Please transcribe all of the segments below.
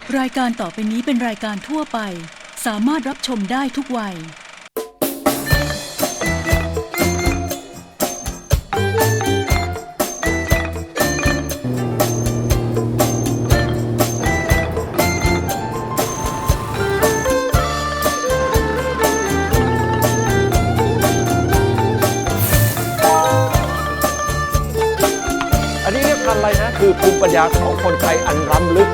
รายการต่อไปนี้เป็นรายการทั่วไปสามารถรับชมได้ทุกวัยอันนี้เรียกพันธุ์อะไรนะคือภูมิปัญญาของคนไทยอันล้ำลึก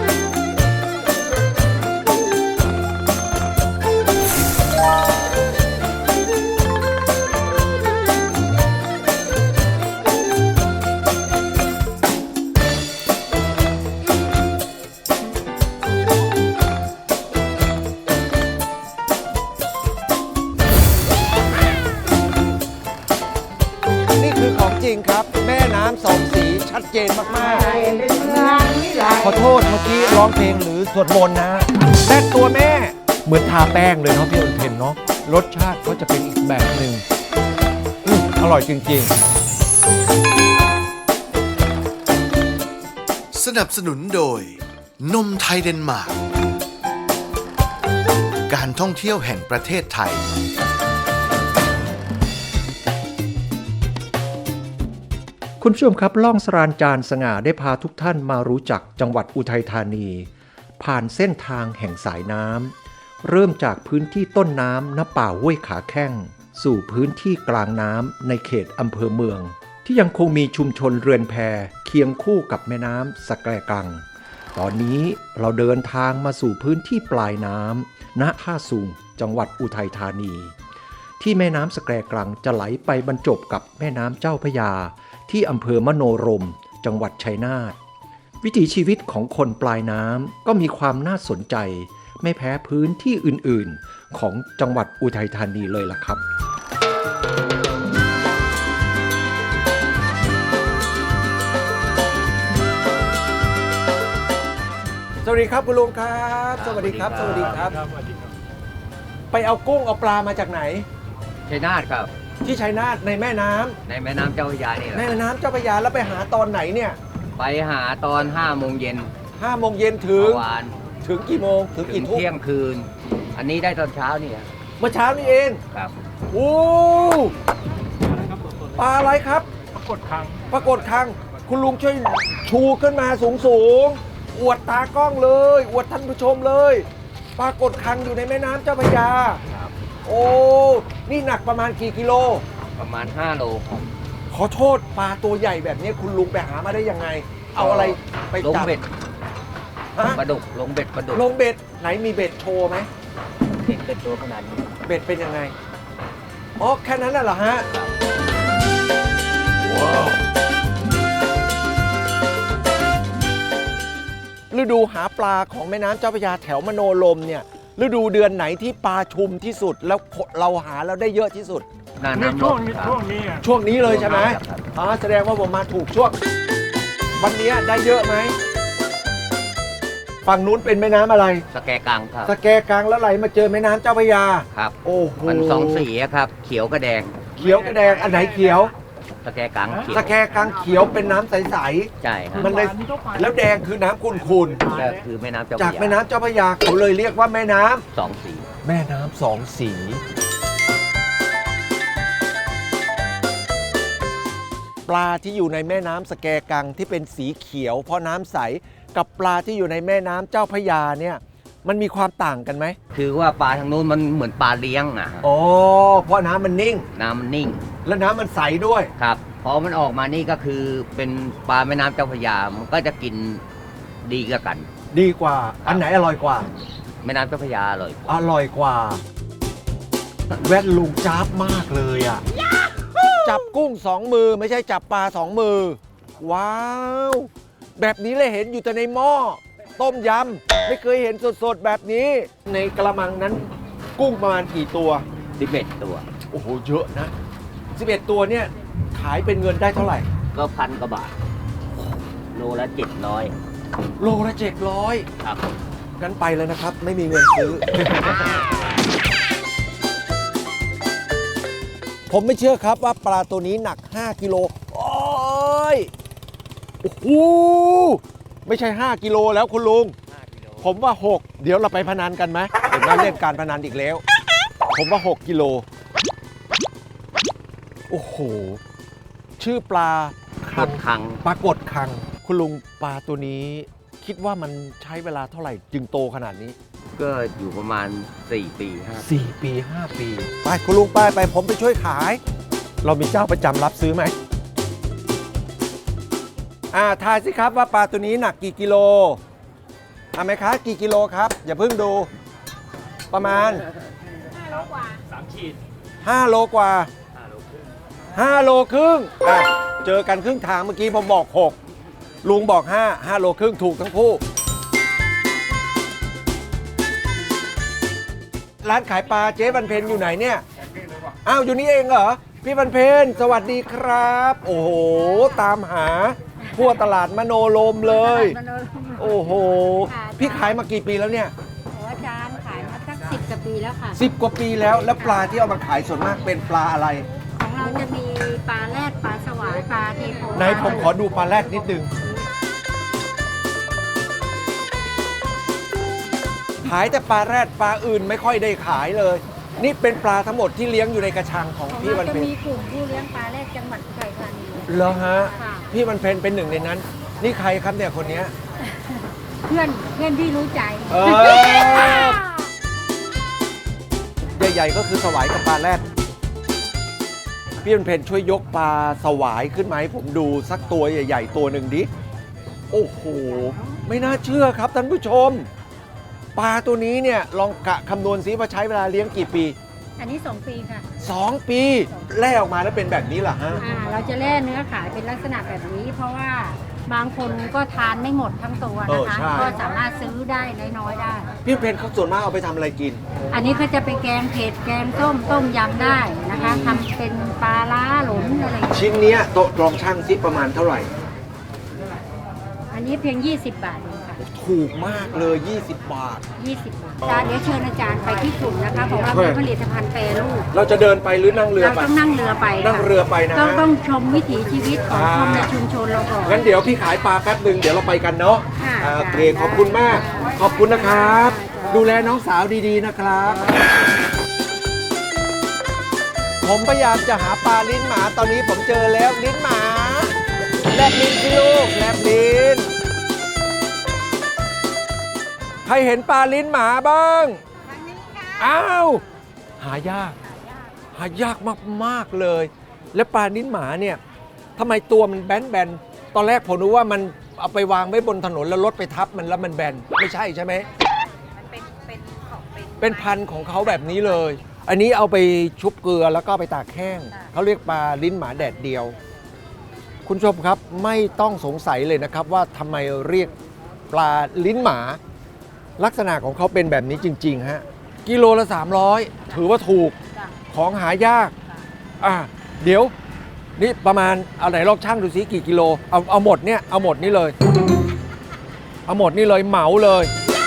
นี่คือของจริงครับแม่น้ำสองสีชัดเจนมากๆขอโทษเมื่อกี้ร้องเพลงหรือสวดมนต์นะแต่ตัวแม่เหมือนทาแป้งเลยเนาะพี่อุเทนเนาะรสชาติก็จะเป็นอีกแบบหนึ่งอร่อยจริงสนับสนุนโดยนมไทยเดนมาร์กการท่องเที่ยวแห่งประเทศไทยคุณผู้ชมครับล่องสรานจานสง่าได้พาทุกท่านมารู้จักจังหวัดอุทัยธานีผ่านเส้นทางแห่งสายน้ำเริ่มจากพื้นที่ต้นน้ำณป่าห้วยขาแข้งสู่พื้นที่กลางน้ำในเขตอำเภอเมืองที่ยังคงมีชุมชนเรือนแพเคียงคู่กับแม่น้ำสะแกรกังตอนนี้เราเดินทางมาสู่พื้นที่ปลายน้ำณท่าสูงจังหวัดอุทัยธานีที่แม่น้ำสะแกรกังจะไหลไปบรรจบกับแม่น้ำเจ้าพระยาที่อำเภอมโนรมจังหวัดชัยนาทวิถีชีวิตของคนปลายน้ำก็มีความน่าสนใจไม่แพ้พื้นที่อื่นๆของจังหวัดอุทัยธานีเลยล่ะครับสวัสดีครับคุณลุงครับสวัสดีครับสวัสดีครับไปเอากุ้งเอาปลามาจากไหนชัยนาทครับที่ชัยนาทในแม่น้ำในแม่น้ำเจ้าพระยานี่แหละแม่น้ำเจ้าพระยาแล้วไปหาตอนไหนเนี่ยไปหาตอน5 โมงเย็น 5 โมงเย็นถึงวานถึงกี่โมงถึงกี่ทุ่มเที่ยงคืนอันนี้ได้ตอนเช้านี่เมื่อเช้านี่เองครับโอ้ปลาอะไรครับปรากฏคังคุณลุงช่วยชูขึ้นมาสูงอวดตากล้องเลยอวดท่านผู้ชมเลยปรากฏคังอยู่ในแม่น้ำเจ้าพระยาโอ้นี่หนักประมาณกี่กิโลประมาณ5 โลครับขอโทษปลาตัวใหญ่แบบนี้คุณลุงไปหามาได้ยังไงเอาอะไรไปจับลงเบ็ดปลาดุกลงเบ็ดปลาดุกลงเบ็ดไหนมีเบ็ดโชว์ไหมเบ็ดตัวขนาดนี้เบ็ดเป็นยังไงอ๋อแค่นั้นน่ะเหรอฮะว้าวฤดูหาปลาของแม่น้ำเจ้าพระยาแถวมโนรมเนี่ยฤดูเดือนไหนที่ปลาชุมที่สุดแล้วเราหาแล้วได้เยอะที่สุดช่วงนี้เลยใช่ไหมแสดงว่าผมมาถูกช่วงวันนี้ได้เยอะไหมฝั่งนู้นเป็นแม่น้ำอะไรสะแกกังครับสะแกกังแล้วไหลมาเจอแม่น้ำเจ้าพระยาครับโอ้โหมัน2 สีครับเขียวกับแดงอันไหนเขียวสะแกกังเขียวสะแกกังเขียวเป็นน้ำใสใช่ครับมันเลยแล้วแดงคือน้ำขุ่นก็คือแม่น้ำเจ้าพระยาจากแม่น้ำเจ้าพระยาเขาเลยเรียกว่าแม่น้ำ 2 สีแม่น้ำ2 สีปลาที่อยู่ในแม่น้ำสะแกกังที่เป็นสีเขียวเพราะน้ำใสกับปลาที่อยู่ในแม่น้ำเจ้าพระยาเนี่ยมันมีความต่างกันไหมคือว่าปลาทางนู้นมันเหมือนปลาเลี้ยงอ๋อเพราะน้ำมันนิ่งและน้ำมันใสด้วยครับพอมันออกมานี่ก็คือเป็นปลาแม่น้ำเจ้าพระยามันก็จะกินดีกันดีกว่าอันไหนอร่อยกว่าแม่น้ำเจ้าพระยาอร่อยกว่าแว่นลุงจ้าบมากเลยอ่ะจับกุ้ง2 มือไม่ใช่จับปลา2 มือว้าวแบบนี้เลยเห็นอยู่แต่ในหม้อต้มยำไม่เคยเห็นสดๆแบบนี้ในกระมังนั้นกุ้งประมาณกี่ตัว 11 ตัวโอ้โหเยอะนะ11 ตัวเนี่ยขายเป็นเงินได้เท่าไหร่ก็1,000 กว่าบาทโลละ700 ครับงั้นไปเลยนะครับไม่มีเงินซื้อ ผมไม่เชื่อครับว่าปลาตัวนี้หนัก5 กิโลโอ้โหไม่ใช่5 กิโลแล้วคุณลุงผมว่า 6 เดี๋ยวเราไปพนันกันไหมเห็นว่าเล่นการพนันอีกแล้ว ผมว่า 6 กิโล โอ้โห ชื่อปลากดคังปลากดคัง คุณลุงปลาตัวนี้ คิดว่ามันใช้เวลาเท่าไหร่จึงโตขนาดนี้ก็อยู่ประมาณ 4 ปีครับ 4 ปี 5 ปี ไปคุณลุงไปผมไปช่วยขาย เรามีเจ้าประจำรับซื้อไหมทายสิครับว่าปลาตัวนี้หนักกี่กิโลไหมคะกี่กิโลครับ อย่าเพิ่งดู ประมาณ5 โลกว่า3 ขีด5 โลกว่า5 โลครึ่งเจอกันครึ่งทางเมื่อกี้ผมบอก 6 ลุงบอก 5 โลครึ่งถูกทั้งคู่ ร้านขายปลาเจ๊บรรเพนอยู่ไหนเนี่ย อ้าวอยู่นี่เองเหรอ พี่บรรเพนสวัสดีครับ โอ้โห ตามหาทั่วตลาดมโนโลมเลย โอ้โห พี่ขายมากี่ปีแล้วเนี่ยอาจารย์ขายมาสัก10 กว่าปีแล้วค่ะ 10 กว่าปีแล้ว แล้วปลาที่เอามาขายส่วนมากเป็นปลาอะไรของเราจะมีปลาแรดปลาสวายปลาเทโพไหนผมขอดูปลาแรดนิดนึง ขายแต่ปลาแรดปลาอื่นไม่ค่อยได้ขายเลย นี่เป็นปลาทั้งหมดที่เลี้ยงอยู่ในกระชังของของพี่บรเรารจะเพนมีกลุ่มผู้เลี้ยงปลาแรดจังหวัดอุทัยธานีเหรอฮะค่ะพี่บรรเพนเป็นหนึ่งในนั้น นี่ใครครับเนี่ยคนเนี้ยเพื่อนที่รู้ใจเออ ใหญ่ๆก็คือสวายกับปลาแรดพี่บรรเพนช่วยยกปลาสวายขึ้นมาให้ผมดูสักตัวใหญ่ๆตัวหนึ่งดิ โอ้โห ไม่น่าเชื่อครับท่านผู้ชม ปลาตัวนี้เนี่ยลองกะคำนวณซิว่าใช้เวลาเลี้ยงกี่ปีอันนี้ 2 ปีค่ะ 2 ปีแล่ออกมาแล้วเป็นแบบนี้เหรอฮะเราจะแล่เนื้อขายเป็นลักษณะแบบนี้ เพราะว่าบางคนก็ทานไม่หมดทั้งตัวนะคะใช่ก็สามารถซื้อได้น้อยๆได้พี่บรรเพนเขาส่วนมากเอาไปทำอะไรกินอันนี้เขาจะไปแกงเผ็ดแกงส้มต้มยำได้นะคะทำเป็นปลาล้าหลนอะไรอย่างเงี้ยชิ้นเนี้ยโต๊ะลองช่างซิประมาณเท่าไหร่อันนี้เพียง 20 บาทเองค่ะถูกมากเลย 20 บาท 20 บาทอาจารย์เดี๋ยวเชิญอาจารย์ไปที่กลุ่มนะคะของเราเป็นผลิตภัณฑ์แปรรูปเราจะเดินไปหรือนั่งเรือเราไปต้องนั่งเรือไปค่ะนั่งเรือไปนะต้องชมวิถีชีวิตของคนในชุมชนเราก่อนงั้นเดี๋ยวพี่ขายปลาแป๊บหนึ่งเดี๋ยวเราไปกันเนาะค่ะโอเคขอบคุณมาก ขอบคุณนะครับ ดูแลน้องสาวดีๆนะครับ ผมพยายามจะหาปลาลิ้นหมาตอนนี้ผมเจอแล้วลิ้นหมาแลบลิ้นสิลูกแลบลิ้นใครเห็นปลาลิ้นหมาบ้างอ้าวหายากมากๆเลย และปลาลิ้นหมาเนี่ยทำไมตัวมันแบนๆตอนแรกผมนึกว่ามันเอาไปวางไว้บนถนนแล้วรถไปทับมันแล้วมันแบนไม่ใช่ใช่ไหมเป็นพันธุ์ของเขาแบบนี้เลย อันนี้เอาไปชุบเกลือแล้วก็ไปตากแห้งเขาเรียกปลาลิ้นหมาแดดเดียว คุณผู้ชมครับไม่ต้องสงสัยเลยนะครับว่าทำไมเรียกปลาลิ้นหมา ลักษณะของเขาเป็นแบบนี้จริงๆฮะกิโลละ300ถือว่าถูกของหายากเดี๋ยวนี่ประมาณเอาไหนลองช่างดูซิกี่กิโลเอาหมดเนี่ยเอาหมดนี่เลยเอาหมดนี่เลยเหมาเลย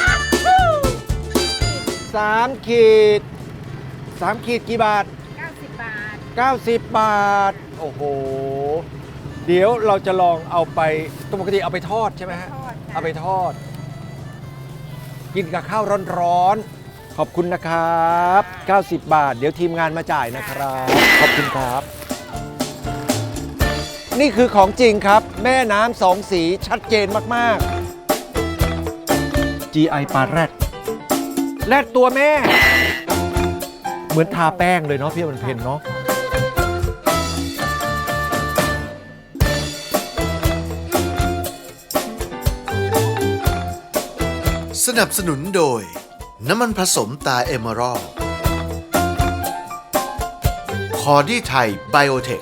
3 ขีด3 ขีดกี่บาท 90 บาท 90 บาทโอ้โหเดี๋ยวเราจะลองเอาไปปกติเอาไปทอดใช่ไหมฮะทอดค่ะเอาไปทอด กินกับข้าวร้อนๆขอบคุณนะครับ90 บาท เดี๋ยวทีมงานมาจ่ายนะครับขอบคุณครับ นี่คือของจริงครับ แม่น้ำสองสีชัดเจนมากๆ GI ปลาแรดตัวแม่ เหมือนทาแป้งเลยเนาะพี่บรรเพนเนาะสนับสนุนโดย น้ำมันผสมตาเอเมอรัลด์คอร์ดี้ไทยไบโอเทค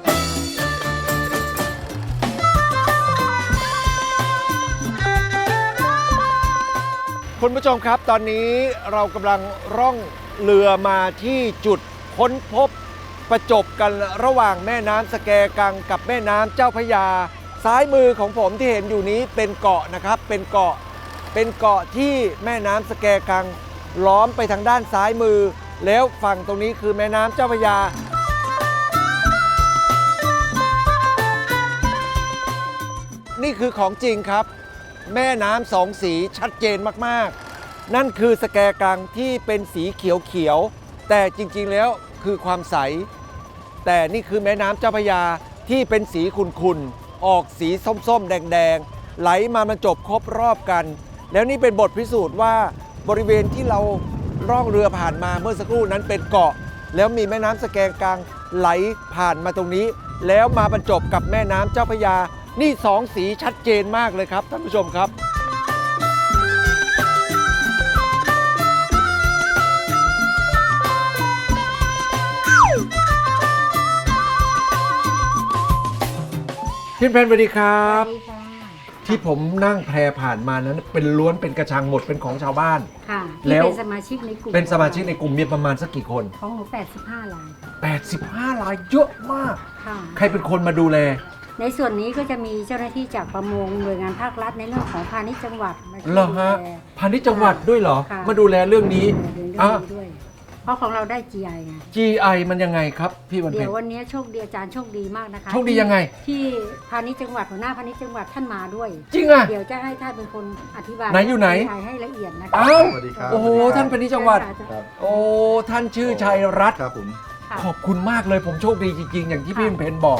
คุณผู้ชมครับตอนนี้เรากำลังร่องเรือมาที่จุดค้นพบประจบกันระหว่างแม่น้ำสแกกังกับแม่น้ำเจ้าพระยาซ้ายมือของผมที่เห็นอยู่นี้เป็นเกาะนะครับเป็นเกาะที่แม่น้ำสแกกังล้อมไปทางด้านซ้ายมือแล้วฝั่งตรงนี้คือแม่น้ำเจ้าพระยานี่คือของจริงครับแม่น้ำสองสีชัดเจนมากๆ นั่นคือสแกกังที่เป็นสีเขียวๆแต่จริงๆแล้วคือความใส แต่นี่คือแม่น้ำเจ้าพระยาที่เป็นสีขุ่นๆออกสีส้มๆแดงๆไหลมาบรรจบครบรอบกัน แล้วนี่เป็นบทพิสูจน์ว่าบริเวณที่เราล่องเรือผ่านมาเมื่อสักครู่นั้นเป็นเกาะ แล้วมีแม่น้ำสแกงกังไหลผ่านมาตรงนี้ แล้วมาบรรจบกับแม่น้ำเจ้าพระยานี่สองสีชัดเจนมากเลยครับท่านผู้ชมครับ พี่เพนสวัสดีครับสวัสดีค่ะที่ผมนั่งแพผ่านมานั้นเป็นล้วนเป็นกระชังหมดเป็นของชาวบ้านค่ะแล้ที่วเป็นสมาชิกในกลุ่มเป็นสมาชิกในกลุ่มมีประมาณสักกี่คนของหนู85ราย 85รายเยอะมากค่ะใครเป็นคนมาดูแลในส่วนนี้ก็จะมีเจ้าหน้าที่จากประมงหน่วยงานภาครัฐในเรื่องของพาณิชย์จังหวัดมาช่วยเหรอฮะดูแลพาณิชย์จังหวัดด้วยเหรอค่ะมาดูแลเรื่องนี้เรื่องอ่ะนี้ด้วย เพราะของเราได้ GI ไง GI มันยังไงครับพี่วันเดี๋เพ็ยญววันนี้โชคดีอาจารย์โชคดีมากนะคะโชคดียังไงที่พาณิชย์จังหวัดหัวหน้าพาณิชย์จังหวัดท่านมาด้วยจริงอ่ะเดี๋ยวจะให้ท่านเป็นคนอธิบายไหนอยู่ไหนให้ละเอียดนะคะอ้าวสวัสดีครับโอ้โหท่านพาณิชย์จังหวัดครับโอ้ท่านชื่อชัยรัตน์ครับผมค่ะขอบคุณมากเลยผมโชคดีจริงๆ อย่างที่พี่เพนบอก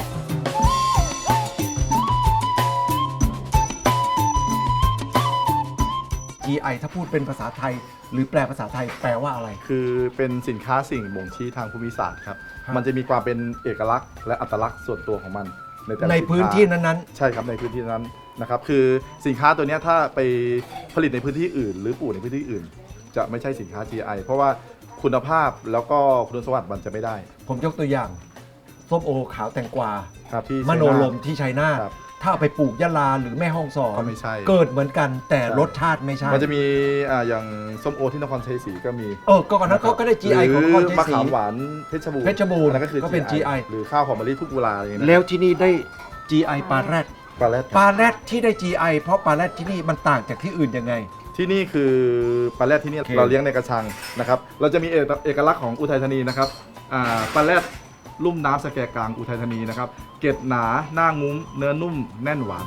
GI ถ้าพูดเป็นภาษาไทย หรือแปลภาษาไทยแปลว่าอะไรคือเป็นสินค้าสิ่งบ่งชี้ทางภูมิศาสตร์ครับครับมันจะมีความเป็นเอกลักษณ์และอัตลักษณ์ส่วนตัวของมันในแต่ละในสิค้าพื้นที่นั้นใช่ครับในพื้นที่นั้นนะครับ คือสินค้าตัวเนี้ยถ้าไปผลิตในพื้นที่อื่น หรือปลูกในพื้นที่อื่น จะไม่ใช่สินค้า GI เพราะว่าคุณภาพแล้วก็คุณสมบัติมันจะไม่ได้ๆ ผมยกตัวอย่าง ส้มโอขาวแตงกวาครับที่มโนลมที่ชัยนาทครับถ้าเอาไปปลูกยะลาหรือแม่ฮ่องสอนก็ไม่ใช่เกิดเหมือนกันแต่ใช่รสชาติไม่ใช่มันจะมีอย่างส้มโอที่นครชัยศรีก็มีก็ก่อนนั้นเขาก็ได้ GI ของนครชัยศรีมะขามหวานเพชรบูรณ์เพชรบูรณ์อันนั้นก็คือก็เป็น GI หรือข้าวหอมมะลิทุกเวลาอย่างเงี้ยนะแล้วที่นี่ได้ GI ปลาแรดปลาแรดปลาแรดที่ได้ GI เพราะปลาแรดที่นี่มันต่างจากที่อื่นยังไงที่นี่คือปลาแรดที่นี่โอเคเราเลี้ยงในกระชังนะครับ เราจะมีเอกลักษณ์ของอุทัยธานีนะครับปลาแรดลุ่มน้ำสแกกลางอุทัยธานีนะครับ เกล็ดหนาหน้างุ้มเนื้อนุ่มแน่นหวาน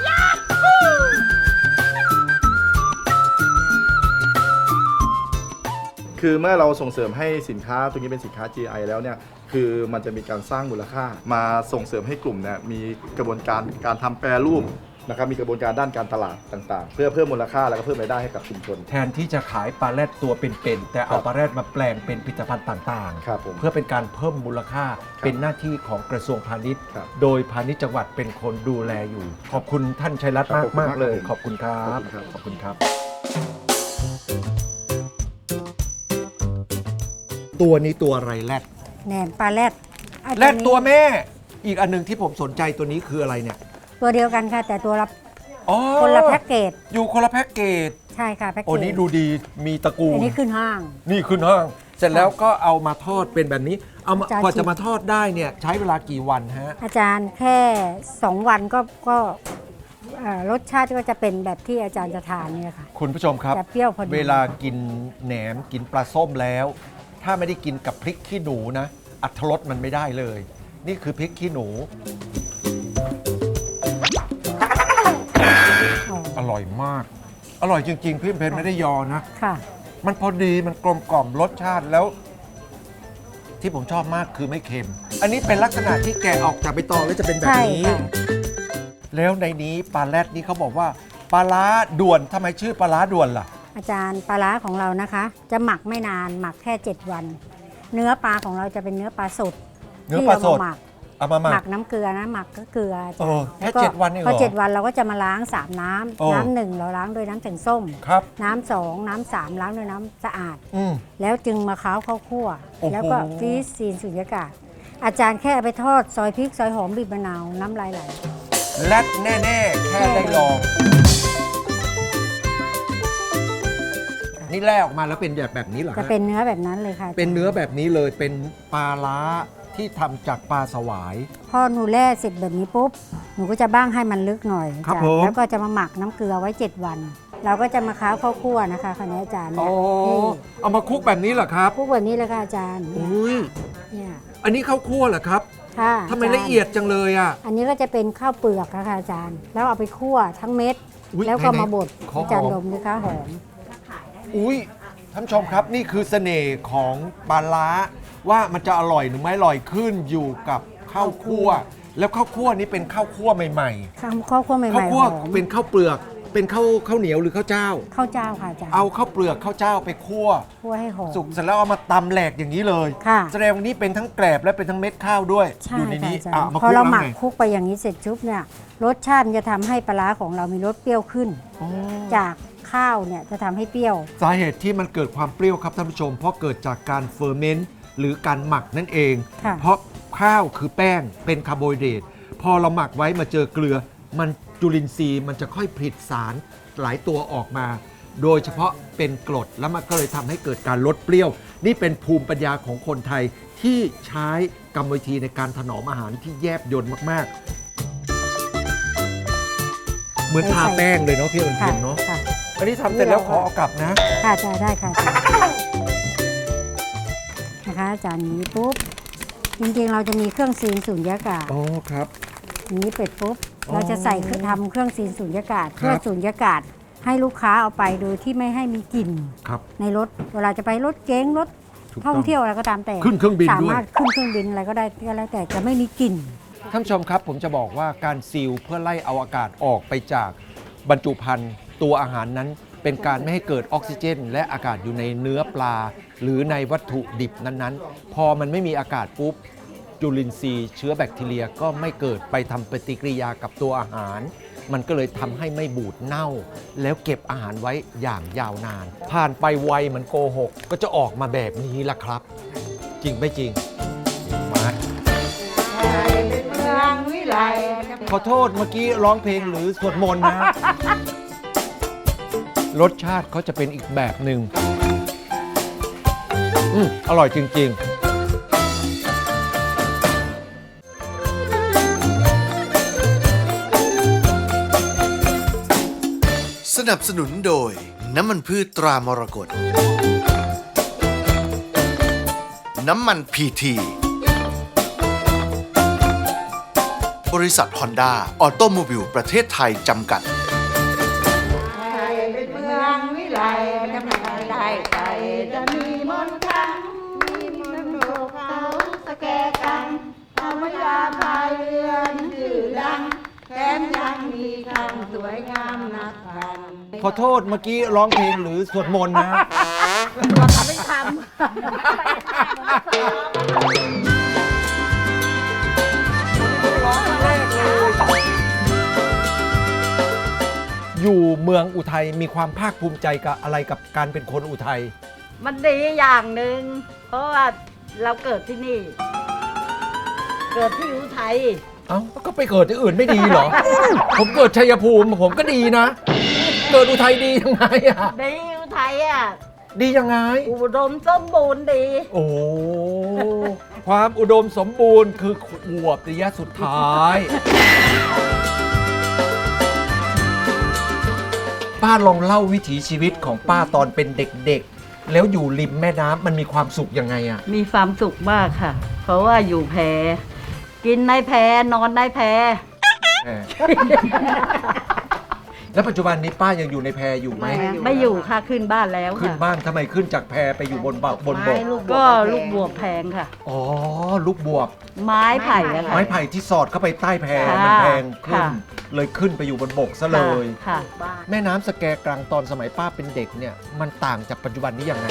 คือเมื่อเราส่งเสริมให้สินค้าตัวนี้เป็นสินค้า GI แล้วเนี่ยคือมันจะมีการสร้างมูลค่า มาส่งเสริมให้กลุ่มเนี่ยมีกระบวนการทำแปรรูปนะครับมีกระบวนการด้านการตลาดต่างๆ เพื่อเพิ่มมูลค่าแล้วก็เพิ่มรายได้ให้กับชุมชนแทนที่จะขายปลาแรดตัวเป็นๆแต่เอาปลาแรดมาแปลงเป็นผลิตภัณฑ์ต่างครับผมๆ เพื่อเป็นการเพิ่มมูลค่าเป็นหน้าที่ของกระทรวงพาณิชย์ครับโดยพาณิชย์จังหวัดเป็นคนดูแลอยู่ ขอบคุณท่านชัยรัตน์ครับมากๆเลยขขออบบ คุคุณ ณคครัรับขอบคุณครับขอบคุณครับ ตัวนี้ตัวอะไรแรดแหนมปลาแรดไอ้แรดนี้ตัวแม่ อีกอันหนึงที่ผมสนใจตัวนี้คืออะไรเนี่ยตัวเดียวกันค่ะ แต่ตัวละอ๋อคนละแพ็กเกจอยู่คนละแพ็กเกจใช่ค่ะแพ็กเกจโอ้นี้ดูดีมีตระกูลอันนี้ขึ้นห้างนี่ขึ้นห้าง เสร็จแล้วก็เอามาทอดเป็นแบบนี้ เอามาจานกว่าชิจะมมาทอดได้เนี่ยใช้เวลากี่วันฮะอาจารย์แค่ 2 วันก็รสชาติก็จะเป็นแบบที่อาจารย์จะทานเนี่ยค่ะคุณผู้ชมครับจะเปรี้ยวพอดีเวลากินแหนมกินปลาส้มแล้ว ถ้าไม่ได้กินกับพริกขี้หนูนะอรรถรสมันไม่ได้เลย นี่คือพริกขี้หนูอ๋ออร่อยมาก อร่อยจริง ๆ พี่เพนไม่ได้ยอนะค่ะมันพอดีมันกลมกล่อมรสชาติแล้ว ที่ผมชอบมากคือไม่เค็ม อันนี้เป็นลักษณะที่แกะออกจากใบตองแล้วจะเป็นแบบใช่นี้ค่ะแล้วในนี้ปลาแรดนี่เขาบอกว่าปลาล้าด่วนทำไมชื่อปลาล้าด่วนล่ะอาจารย์ปลาร้าของเรานะคะ จะหมักไม่นานหมักแค่ 7 วัน เนื้อปลาของเราจะเป็นเนื้อปลาสดเนื้อปลาสดที่เรมหมักเอามาหมัหมักกน้ำเกลือนะหมักก็เกลืออาจารย์เออแค่ล้วก็ 7วันเองเหรอพอ7 วันเราก็จะมาล้าง3น้โอ้ำน้ำหนึ่งเราล้างด้วยน้ำแข็งส้มครับน้ำสองน้ำสามล้างด้วยน้ำสะอาดอืมแล้วจึงมาค้าวข้าวคั่วโอ้โหแล้วก็ฟรีซซีนสุญญากาศ อาจารย์แค่เอาไปทอดซอยพริกซอยหอมบีบมะนาวน้ำลายไหลแรดแน่ ๆ แค่ได้ลอง นี่แล่ออกมาแล้วเป็นแบบนี้เหรอจะฮะเป็นเนื้อแบบนั้นเลยค่ะเป็นเนื้อแบบนี้เลยเป็นปลาล้าที่ทำจากปลาสวายพอหนูแล่เสร็จแบบนี้ปุ๊บหนูก็จะบ้างให้มันลึกหน่อยครับจ้ะผมแล้วก็จะมาหมักน้ำเกลือไว้ 7 วัน เราก็จะมาค้าวข้าวคั่วนะคะคณะอาจารย์อ๋เนี่อย เอามาคลุกแบบนี้เหรอครับคลุกแบบนี้เลยค่ะอาจารย์อุ้ยเนี่ยอันนี้ข้าวคั่วเหรอครับค่ะทำไมาจารละเอียดจังเลยอ่ะอันนี้ก็จะเป็นข้าวเปลือกนะคะอาจารย์ แล้วเอาไปคั่วทั้งเม็ดอุ๊ยแล้วก็ไหนๆมาบดขอหอมจานดมนะคะหอมอุ้ยท่านผู้ชมครับนี่คือเสน่ห์ของปลาร้าว่ามันจะอร่อยหรือไม่อร่อยขึ้นอยู่กับข้าวคั่ว แล้วข้าวคั่วนี้เป็นข้าวคั่วใหม่ข้าวคั่วใหม่ๆข้าวๆหคั่วอมเป็นข้าวเปลือกเป็นข้าวเหนียวหรือข้าวเจ้าข้าวเจ้าค่ะอาจารย์เอาข้าวเปลือกข้าวเจ้าไปคั่วคั่วให้หอมสุกเสร็จแล้วเอามาตำแหลกอย่างนี้เลยค่ะแสดงว่านี้เป็นทั้งแกลบและเป็นทั้งเม็ดข้าวด้วยใช่อยู่ในค่ะนี้อาจารอ่ะย์มาพอคลุกเราแล้วหมักไงคลุกไปอย่างนี้เสร็จชุบเนี่ยรสชาติมันจะทำให้ปลาร้าของเรามีรสเปรี้ยวขึ้นอ๋อจากข้าวเนี่ยจะทำให้เปรี้ยวสาเหตุที่มันเกิดความเปรี้ยวครับท่านผู้ชม เพราะเกิดจากการเฟอร์เมนต์หรือการหมักนั่นเองค่ะเพราะข้าวคือแป้งเป็นคาร์โบไฮเดรตพอเราหมักไว้มาเจอเกลือ มันจุลินทรีย์มันจะค่อยผลิตสารหลายตัวออกมา โดยเฉพาะเป็นกรดแล้วมันก็เลยทำให้เกิดการลดเปรี้ยว นี่เป็นภูมิปัญญาของคนไทยที่ใช้กรรมวิธีในการถนอมอาหารที่แยบยลมากๆ เหมือนทาแป้งเลยเนาะพี่เอิญค่ะเพ็ญเนาะค่ะอันนี้ทำเสร็จแล้วขอเอากลับนะค่ะจะได้ค่ะนะคะอาจารย์นี้ปุ๊บจริงๆเราจะมีเครื่องซีนสูญญากาศอ๋อครับอย่างนี้เป็ดปุ๊บอ๋อเราจะใส่ทำเครื่องซีนสูญญากาศครับเพื่อสูญญากาศให้ลูกค้าเอาไปโดยที่ไม่ให้มีกลิ่นครับในรถเวลาจะไปรถเก๋งรถถูกต้องท่องเที่ยวอะไรก็ตามแต่ขึ้นเครื่องบินด้วยสามารถขึ้นเครื่องบินอะไรก็ได้ก็แล้วแต่จะไม่มีกลิ่นท่านผู้ชมครับผมจะบอกว่าการซีลเพื่อไล่เอาอากาศออกไปจากบรรจุภัณฑ์ตัวอาหารนั้น เป็นการไม่ให้เกิดออกซิเจน และอากาศอยู่ในเนื้อปลา หรือในวัตถุดิบนั้นๆ พอมันไม่มีอากาศปุ๊บจุลินทรีย์เชื้อแบคทีเรียก็ไม่เกิดไปทำปฏิกิริยากับตัวอาหาร มันก็เลยทำให้ไม่บูดเน่า แล้วเก็บอาหารไว้อย่างยาวนาน ผ่านไปไวเหมือนโกหก ก็จะออกมาแบบนี้ละครับ จริงไม่จริงมา ขอโทษเมื่อกี้ร้องเพลงหรือสวดมนต์นะ รสชาติเขาจะเป็นอีกแบบหนึ่งอร่อยจริง ๆสนับสนุนโดยน้ำมันพืชตรามรกตน้ำมันพีทีบริษัทฮอนด้าออโตโมบิลประเทศไทยจำกัดเมืองวิไลจะไม่ได้ใจจะมีมนต์คลังมีมนต์โลกเขาสแกกังธรรมยาพายเรือนชื่อดังแถมยังมีคำสวยงามนักพันขอโทษเมื่อกี้ร้องเพลงหรือสวดมนต์นะไม่ทอยู่เมืองอุทัยมีความภาคภูมิใจกับอะไรกับการเป็นคนอุทัยำมันดีอย่างหนึ่งเพราะว่าเราเกิดที่นี่ เกิดที่อุทัยเอ้าก็ไปเกิดที่อื่นไม่ดีเหรอ ผมเกิดชัยภูมิผมก็ดีนะ เกิดอุทัยดียังไงอะดีอุทัยอ่ะดียังไงอุดมสมบูรณ์ดีโอ้ ความอุดมสมบูรณ์คือขวบระยะสุดท้าย ป้าลองเล่าวิถีชีวิตของป้าตอนเป็นเด็กๆ แล้วอยู่ริมแม่น้ำมันมีความสุขยังไงอะมีความสุขมากค่ะ เพราะว่าอยู่แพกินในแพนอนในแพแหม แล้วปัจจุบันนี้ป้ายังอยู่ในแพอยู่ไหมไม่อยู่ค่ะขึ้นบ้านแล้วขึ้นค่ะบ้านทำไมขึ้นจากแพไปอยู่บนบกก็ลูกบวบแพงค่ะอ๋อ ลูกบวบไม้ไผ่อะค่ะไม้ไผ่ที่สอดเข้าไปใต้แพค่ะมันแพงขึ้นค่ะเลยขึ้นไปอยู่บนบกซะเลยค่ะแม่น้ำสแกกรังตอนสมัยป้าเป็นเด็กเนี่ย มันต่างจากปัจจุบันนี้ยังไง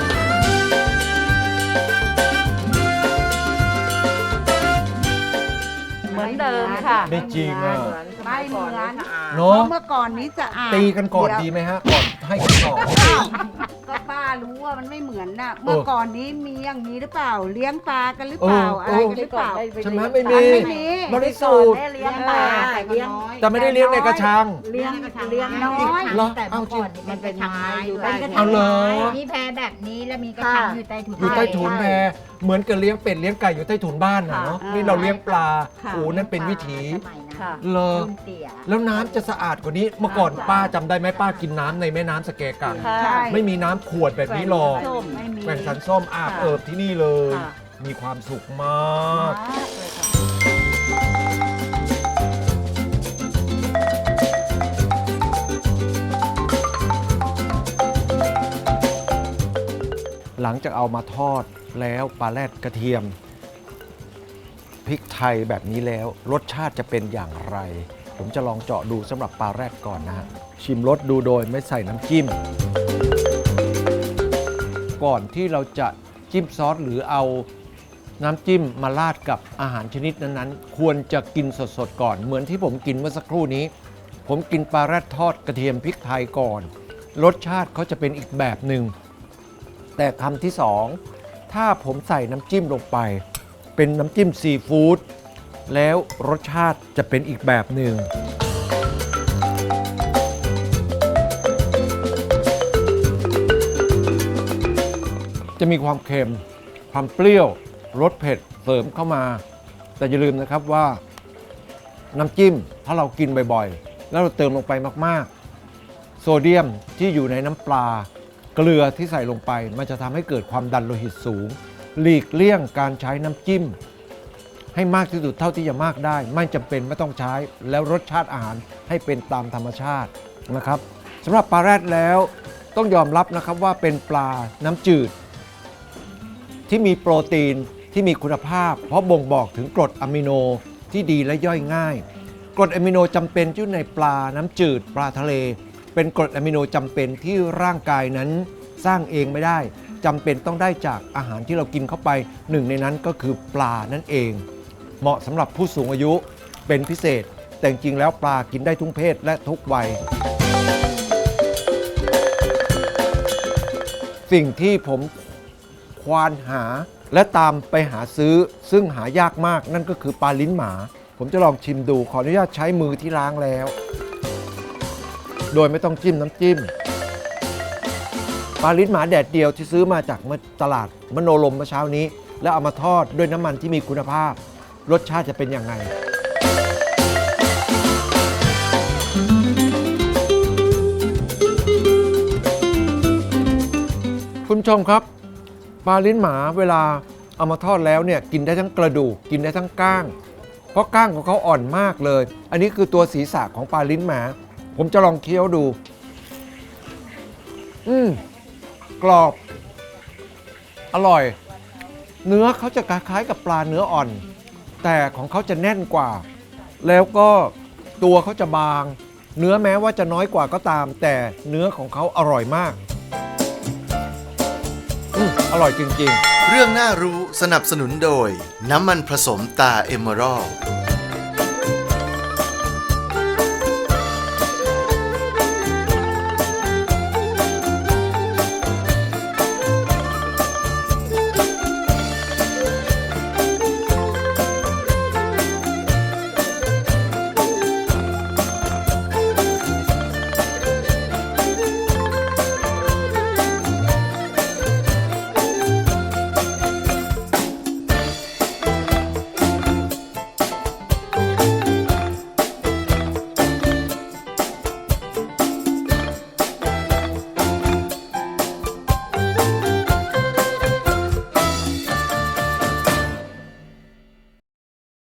เหมือนเดิมค่ะไม่จริงอ่ะไม่เหมือนเนาะเมื่อก่อนนี้จะอ่านตีกันก่อนดีไหมฮะ ก่อนให้กันก่อนก็ป้ารู้ว่ามันไม่เหมือนน่ะ เมื่อก่อนนี้มีอย่างนี้หรือเปล่า เลี้ยงปลากันหรือเปล่า อะไรกันหรือเปล่าใช่ไหมไม่มีไม่มีบริสุทธิ์เลี้ยงปลาเลี้ยงแต่ไม่ได้เลี้ยงในกระชังเลี้ยงน้อยเหรอแต่เอาเมื่อจริงก่อนมันเป็นไม้อยู่เป็นกระเอาเหรอมีแพแบบนี้แล้วมีกระชังอยู่ใต้ถุนอยู่ใต้ถุนแพเหมือนกับเลี้ยงเป็ดเลี้ยงไก่อยู่ใต้ถุนบ้านน่ะเนาะนี่เราเลี้ยงปลาโอ้นั่นเป็นวิถีค่ะเลอรุ่นเตี่ยแล้วน้ำจะสะอาดกว่านี้ เมื่อก่อนป้าจำได้ไหมป้ากินน้ำในแม่น้ำสแกกังค่ะใช่ไม่มีน้ำขวดแบบนี้หรอกส้มไม่มีแบ่งสันส้มอาบค่ะเอิบที่นี่เลยค่ะมีความสุขมากเลยค่ะหลังจากเอามาทอดแล้วปลาแรดกระเทียมพริกไทยแบบนี้แล้วรสชาติจะเป็นอย่างไร ผมจะลองเจาะดูสำหรับปลาแรดก่อนนะฮะชิมรสดูโดยไม่ใส่น้ำจิ้มก่อนที่เราจะจิ้มซอสหรือเอาน้ำจิ้มมาราดกับอาหารชนิดนั้นๆควรจะกินสดๆก่อนเหมือนที่ผมกินเมื่อสักครู่นี้ผมกินปลาแรดทอดกระเทียมพริกไทยก่อนรสชาติเขาจะเป็นอีกแบบหนึ่งแต่คำที่สองถ้าผมใส่น้ำจิ้มลงไปเป็นน้ำจิ้มซีฟู้ดแล้วรสชาติจะเป็นอีกแบบหนึ่งจะมีความเค็มความเปรี้ยวรสเผ็ดเสริมเข้ามาแต่อย่าลืมนะครับว่าน้ำจิ้มถ้าเรากินบ่อยๆแล้วเราเติมลงไปมากๆโซเดียมที่อยู่ในน้ำปลาเกลือที่ใส่ลงไปมันจะทำให้เกิดความดันโลหิตสูงหลีกเลี่ยงการใช้น้ำจิ้มให้มากที่สุดเท่าที่จะมากได้ไม่จำเป็นไม่ต้องใช้แล้วรสชาติอาหารให้เป็นตามธรรมชาตินะครับสำหรับปลาแรดแล้วต้องยอมรับนะครับว่าเป็นปลาน้ำจืดที่มีโปรตีนที่มีคุณภาพเพราะบ่งบอกถึงกรดอะมิโนที่ดีและย่อยง่ายกรดอะมิโนจำเป็นที่อยู่ในปลาน้ำจืดปลาทะเลเป็นกรดอะมิโนจำเป็นที่ร่างกายนั้นสร้างเองไม่ได้จำเป็นต้องได้จากอาหารที่เรากินเข้าไปหนึ่งในนั้นก็คือปลานั่นเองเหมาะสำหรับผู้สูงอายุเป็นพิเศษแต่จริงแล้วปลากินได้ทุกเพศและทุกวัยสิ่งที่ผมควานหาและตามไปหาซื้อซึ่งหายากมากนั่นก็คือปลาลิ้นหมาผมจะลองชิมดูขออนุญาตใช้มือที่ล้างแล้วโดยไม่ต้องจิ้มน้ำจิ้มปลาลิ้นหมาแดดเดียวที่ซื้อมาจากตลาดมโนลมเมื่อเช้านี้แล้วเอามาทอดด้วยน้ำมันที่มีคุณภาพรสชาติจะเป็นยังไงคุณผู้ชมครับปลาลิ้นหมาเวลาเอามาทอดแล้วเนี่ยกินได้ทั้งกระดูกกินได้ทั้งก้างเพราะก้างของเขาอ่อนมากเลยอันนี้คือตัวศีรษะของปลาลิ้นหมาผมจะลองเคี้ยวดูกรอบอร่อยเนื้อเขาจะคล้ายๆกับปลาเนื้ออ่อนแต่ของเขาจะแน่นกว่าแล้วก็ตัวเขาจะบางเนื้อแม้ว่าจะน้อยกว่าก็ตามแต่เนื้อของเขาอร่อยมากอร่อยจริงๆเรื่องน่ารู้สนับสนุนโดยน้ำมันผสมตาเอเมอรัลด์